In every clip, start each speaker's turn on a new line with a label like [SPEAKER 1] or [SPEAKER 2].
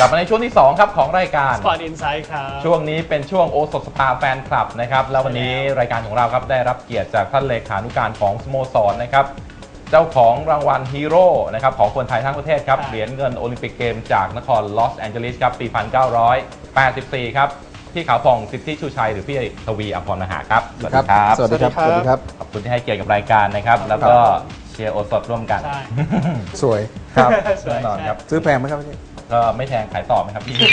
[SPEAKER 1] กลับมาในช่วงที่2ครับของรายการ
[SPEAKER 2] Sport Insight ครับ
[SPEAKER 1] ช่วงนี้เป็นช่วงโอสถสภาแฟนคลับนะครับแล้ววันนี้รายการของเราครับได้รับเกียรติจากท่านเลขานุการของสโมสรนะครับเจ้าของรางวัลฮีโร่นะครับของคนไทยทั้งประเทศครับเหรียญเงินโอลิมปิกเกมจากนครลอสแอนเจลิสครับปี 1984 ครับพี่ขาวผ่องสิทธิชูชัยหรือพี่ทวีอภรณ์มหาครับสวัสดีครับ
[SPEAKER 3] สวัสดีครับสวัสดีครับ
[SPEAKER 1] ขอบคุณที่ให้เกียรติกับรายการนะครับแล้วก็เชียร์โอสถร่วมกัน
[SPEAKER 2] ใช่
[SPEAKER 3] สวย
[SPEAKER 1] ครับ
[SPEAKER 2] สวย
[SPEAKER 1] แน่นอนครับ
[SPEAKER 3] ซื้อแพงไหมครับพี่
[SPEAKER 1] ก็ไม่แพงขายต่อไหมครับพี่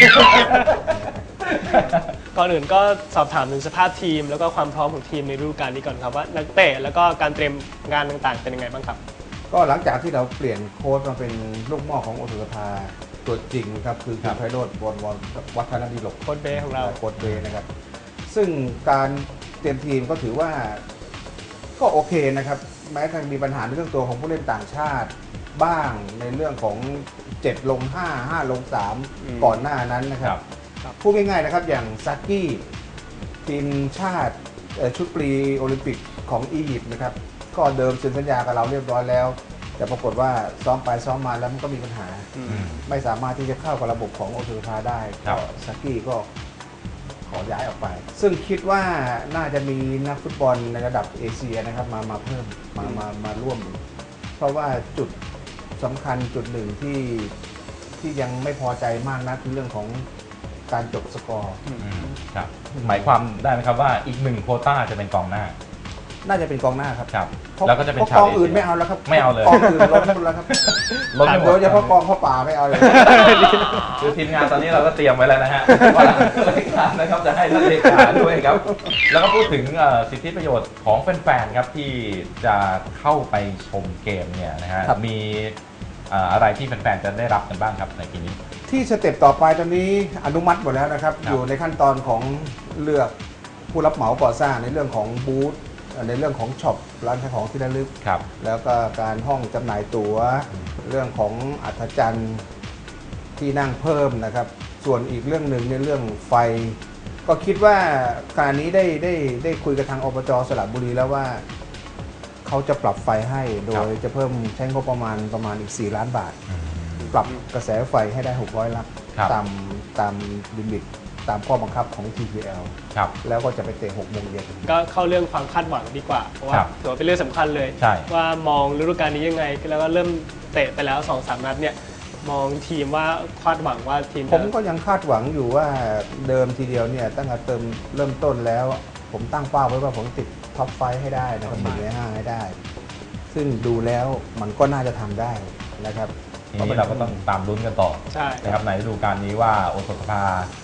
[SPEAKER 2] ก่อนอื่นก็สอบถามถึงสภาพทีมแล้วก็ความพร้อมของทีมในฤดูกาลนี้ก่อนครับว่านักเตะแล้วก็การเตรียมงานต่างๆเป็นยังไงบ้างครับ
[SPEAKER 3] ก็หลังจากที่เราเปลี่ยนโค้ชมาเป็นลูกหม้อของโอสุสภาตัวจริงครับคือคุณไพโรจน์วรวัฒนดิลก
[SPEAKER 2] โค้ชเบ้ของเรา
[SPEAKER 3] โค้ชเบนะครับซึ่งการเตรียมทีมก็ถือว่าก็โอเคนะครับแม้จะมีปัญหาในเรื่องตัวของผู้เล่นต่างชาติบ้างในเรื่องของ7ลง5 5ลง3ก่อนหน้านั้นนะครับพูดง่ายๆนะครับอย่างซากี้ทีมชาติชุดปรีโอลิมปิกของอียิปต์นะครับก็เดิมเซ็นสัญญากับเราเรียบร้อยแล้วแต่ปรากฏว่าซ้อมไปซ้อมมาแล้วมันก็มีปัญหาไม่สามารถที่จะเข้ากับระบบของโอทูพาได้ก็ซากี้ก็ขอย้ายออกไปซึ่งคิดว่าน่าจะมีนักฟุตบอลในระดับเอเชียนะครับมาเพิ่มมาร่วม เพราะว่าจุดสำคัญจุดหนึ่งที่ยังไม่พอใจมากนะคือเรื่องของการจบสกอร์
[SPEAKER 1] ครับหมายความได้ไหมครับว่าอีก1โควต้าจะเป็นกองหน้า
[SPEAKER 3] น่าจะเป็นกองหน้าครับ
[SPEAKER 1] ครับแล้วก็จะเป็นชาว
[SPEAKER 3] กองอื่นไม่เอาแล้วครับ
[SPEAKER 1] ไม่เอาเลย
[SPEAKER 3] กองอื่นล้นหมดแล้วครับ
[SPEAKER 1] ล้นไปหมด
[SPEAKER 3] โดยเฉพาะกองข้าวป่าไม่เอาเลย
[SPEAKER 1] คือทีมงานตอนนี้เราก็เตรียมไว้แล้วนะฮะว่ารายการนะครับจะให้ท่านเลขาด้วยครับแล้วก็พูดถึงสิทธิประโยชน์ของแฟนๆครับที่จะเข้าไปชมเกมเนี่ยนะฮะมีอะไรที่แฟนๆจะได้รับกันบ้างครับในปีนี้
[SPEAKER 3] ที่สเต็ปต่อไปตอนนี้อนุมัติหมดแล้วนะครับอยู่ในขั้นตอนของเลือกผู้รับเหมาก่อสร้างในเรื่องของบูธในเรื่องของช็อปร้านขายของที่ระลึกแล้วก็การห้องจำหน่ายตั๋วเรื่องของอัธจันทร์ที่นั่งเพิ่มนะครับส่วนอีกเรื่องหนึ่งในเรื่องไฟก็คิดว่าการนี้ได้คุยกับทางอบจ.สระบุรีแล้วว่าเขาจะปรับไฟให้โดยจะเพิ่มใช้งบประมาณอีก4 ล้านบาทปรับกระแสไฟให้ได้600 ลักตามลิมิตตามข้อบังคับของ TPL แล้วก็จะไปเตะ6 โมงเย็น
[SPEAKER 2] ก็เข้าเรื่องความคาดหวังดีกว่าเพราะว่าถือว่าเป็นเรื่องสำคัญเลยว่ามองฤดูกาลนี้ยังไงแล้วก็เริ่มเตะไปแล้ว 2-3 นัดเนี่ยมองทีมว่าคาดหวังว่าทีม
[SPEAKER 3] ผมก็ยังคาดหวังอยู่ว่าเดิมทีเดียวเนี่ยตั้งแต่เริ่มต้นแล้วผมตั้งเป้าไว้ว่าผมติดท็อป5ให้ได้นะครับ1 ใน 5ให้ได้ซึ่งดูแล้วมันก็น่าจะทำได้นะครับ
[SPEAKER 1] ทีนี้เราก็ต้องตามลุ้นกันต่อนะครับในฤดูกาลนี้ว่าโอสถสภา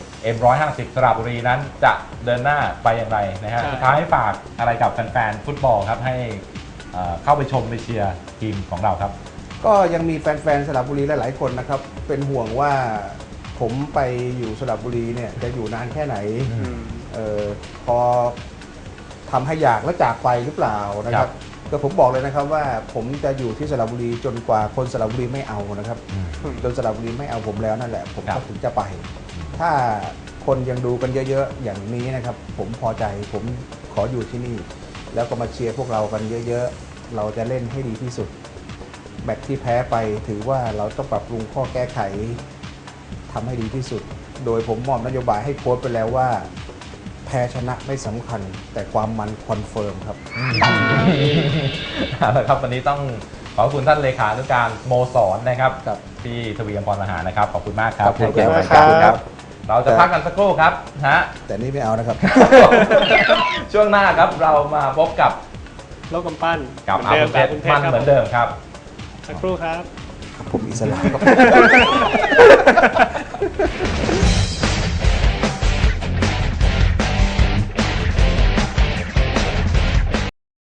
[SPEAKER 1] M150 สระบุรีนั้นจะเดินหน้าไปอย่างไรนะฮะสุดท้ายฝากอะไรกับแฟนๆฟุตบอลครับให้เข้าไปชมไปเชียร์ทีมของเราครับ
[SPEAKER 3] ก็ยังมีแฟนๆสระบุรีหลายๆคนนะครับเป็นห่วงว่าผมไปอยู่สระบุรีเนี่ยจะอยู่นานแค่ไหนพอทำให้อยากและจากไปหรือเปล่านะครับก็ผมบอกเลยนะครับว่าผมจะอยู่ที่สระบุรีจนกว่าคนสระบุรีไม่เอานะครับจนสระบุรีไม่เอาผมแล้วนั่นแหละผมก็ถึงจะไปถ้าคนยังดูกันเยอะๆอย่างนี้นะครับผมพอใจผมขออยู่ที่นี่แล้วก็มาเชียร์พวกเรากันเยอะๆเราจะเล่นให้ดีที่สุดแมตช์ที่แพ้ไปถือว่าเราต้องปรับปรุงข้อแก้ไขทำให้ดีที่สุดโดยผมมอบนโยบายให้โค้ชไปแล้วว่าแพ้ชนะไม่สำคัญแต่ความมันคอนเฟิร์มครับ
[SPEAKER 1] เอาละครับวันนี้ต้องขอบคุณท่านเลขานุการสโมสรนะครับพี่ทวีอภรณ์มหานะครับขอบคุณมากครับ
[SPEAKER 3] ขอบคุณครับ
[SPEAKER 1] เราจะพักกันสักครู่ครับฮะ
[SPEAKER 3] แต่นี่ไม่เอานะครับ
[SPEAKER 1] ช่วงหน้าครับเรามาพบกับ
[SPEAKER 2] โลกกำปั้น
[SPEAKER 1] กับอาบุญเพชรมันเหมือนเดิมครับ
[SPEAKER 2] สักครู่ครับ
[SPEAKER 3] ผมอิสระครับ